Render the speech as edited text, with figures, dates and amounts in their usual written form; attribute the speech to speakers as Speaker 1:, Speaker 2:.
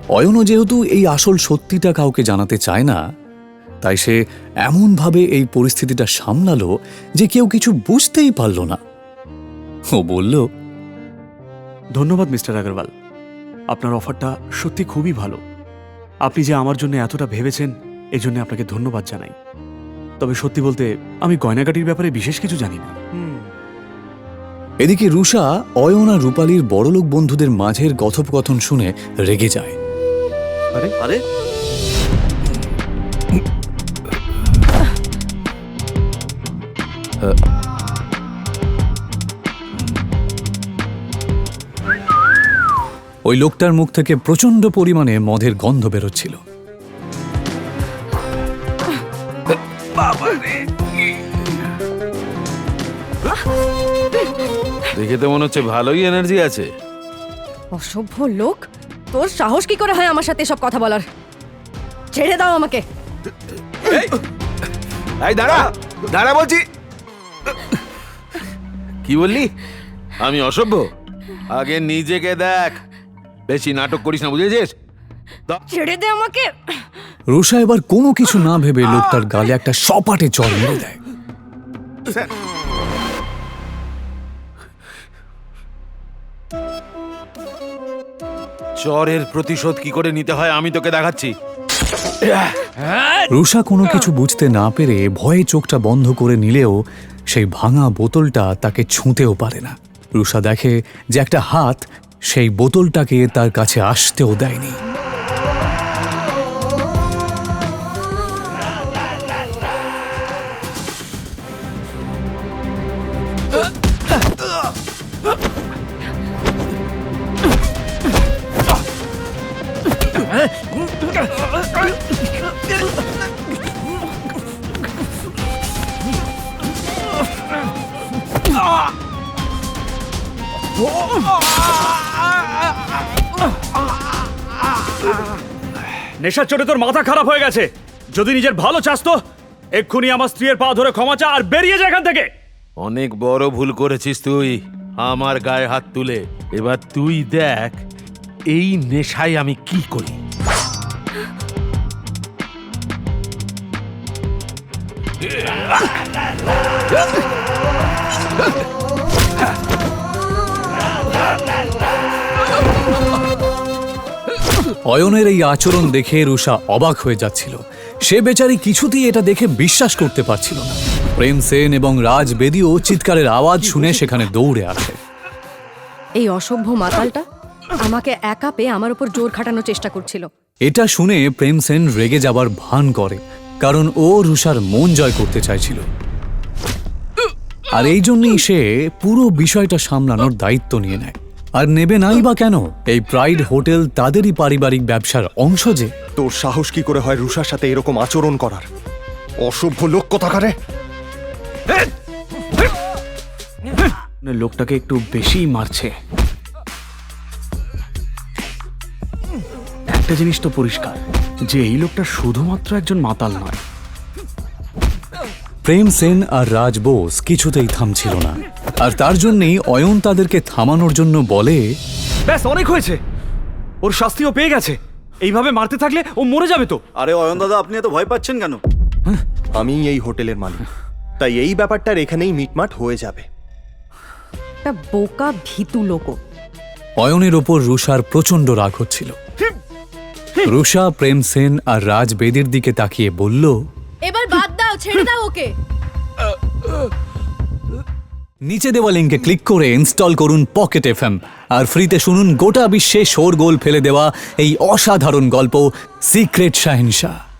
Speaker 1: অয়নও যেহেতু এই আসল সত্যিটা কাউকে জানাতে চায় না, তাই সে এমনভাবে এই পরিস্থিতিটা সামলালো যে কেউ কিছু বুঝতেই পারল না। ও বলল,
Speaker 2: ধন্যবাদ মিস্টার আগরওয়াল, আপনার অফারটা সত্যি খুবই ভালো। আপনি যে আমার জন্য এতটা ভেবেছেন এজন্য আপনাকে ধন্যবাদ জানাই। তবে সত্যি বলতে আমি গয়নাগাটির ব্যাপারে বিশেষ কিছু জানি না।
Speaker 1: এদিকে রুষা অয়ন আর রূপালীর বড়লোক বন্ধুদের মাঝের কথোপকথন শুনে রেগে যায়।
Speaker 3: আরে আরে
Speaker 1: ওই লোকটার মুখ থেকে প্রচন্ড পরিমাণে মদের গন্ধ বেরোচ্ছিল।
Speaker 3: দেখে তো মনে হচ্ছে ভালোই এনার্জি আছে।
Speaker 4: অসভ্য লোক, তোর সাহস কি করে হয় আমার সাথে সব কথা বলার? ছেড়ে দাও আমাকে।
Speaker 3: এই দাঁড়া দাঁড়া বলছি। কি বললি? আমি অসভ্য? আগে নিজেকে দেখ, বেশি নাটক করিস না, বুঝেছিস?
Speaker 4: ছেড়ে দে আমাকে।
Speaker 1: রুষা এবার কোনো কিছু না ভেবে লোকটার গালে একটা সপাটে চড় মেরে দেয়।
Speaker 3: চরের প্রতিশোধ কি করে নিতে হয় আমি তোকে দেখাচ্ছি।
Speaker 1: রুষা কোনো কিছু বুঝতে না পেরে ভয়ে চোখটা বন্ধ করে নিলেও সেই ভাঙা বোতলটা তাকে ছুঁতেও পারে না। রুষা দেখে যে একটা হাত সেই বোতলটাকে তার কাছে আসতেও দেয়নি।
Speaker 2: নেশার চোটে তোর মাথা খারাপ হয়ে গেছে। যদি নিজের ভালো চাস তো এক্ষুনি আমার স্ত্রীর পা ধরে ক্ষমা চা আর বেরিয়ে যা এখান থেকে।
Speaker 3: অনেক বড় ভুল করেছিস তুই, আমার গায়ে হাত তুলে। এবার তুই দেখ এই নেশায় আমি কি করি।
Speaker 1: অয়নের এই আচরণ দেখে রুষা অবাক হয়ে যাচ্ছিল। সে বেচারি কিছুতেই এটা দেখে বিশ্বাস করতে পারছিল না। প্রেম সেন এবং রাজ বেদিও চিৎকারের আওয়াজ শুনে সেখানে দৌড়ে আসে।
Speaker 4: এই অসভ্য মাতালটা আমাকে একা পেয়ে আমার উপর জোর খাটানোর চেষ্টা করছিল।
Speaker 1: এটা শুনে প্রেম সেন রেগে যাবার ভান করে, কারণ ও রুষার মন জয় করতে চাইছিল। আর এই জন্যই সে পুরো বিষয়টা সামলানোর দায়িত্ব নিয়ে নেয়। আর নেবে নাই বা কেন? এই প্রাইড হোটেল তাদেরই পারিবারিক ব্যবসার অংশ যে।
Speaker 5: তোর সাহস কি করে হয় রুষার সাথে এরকম আচরণ করার? অসভ্য লোক কোথাকারে!
Speaker 2: লোকটাকে একটু বেশিই মারছে। একটা জিনিস তো পরিষ্কার যে এই লোকটা শুধুমাত্র একজন মাতাল নয়।
Speaker 1: প্রেম সেন আর রাজ বোস কিছুতেই থামছিল না, আর তার জন্যই অয়ন তাদেরকে থামানোর জন্য বলে,
Speaker 2: ব্যাস অনেক হয়েছে, ওর শাস্তিও পেয়ে গেছে। এইভাবে মারতে থাকলে ও মরে যাবে তো।
Speaker 6: আরে অয়ন দাদা, আপনি এত ভয় পাচ্ছেন কেন?
Speaker 5: আমি এই হোটেলের মালিক, তাই এই ব্যাপারটার এখানেই মিটমাট হয়ে যাবে।
Speaker 4: একটা বোকা ভীতু লোক।
Speaker 1: অয়নের ওপর রুষার প্রচন্ড রাগ হচ্ছিল। রুষা প্রেম সেন আর রাজ বেদির দিকে তাকিয়ে বলল,
Speaker 4: এবার বাদ দাও, ছেড়ে দাও ওকে।
Speaker 1: নিচে দেওয়া লিঙ্কে ক্লিক করে ইনস্টল করুন পকেট এফএম আর ফ্রিতে শুনুন গোটা বিশ্বে শোরগোল ফেলে দেওয়া এই অসাধারণ গল্প সিক্রেট শাহেনশাহ।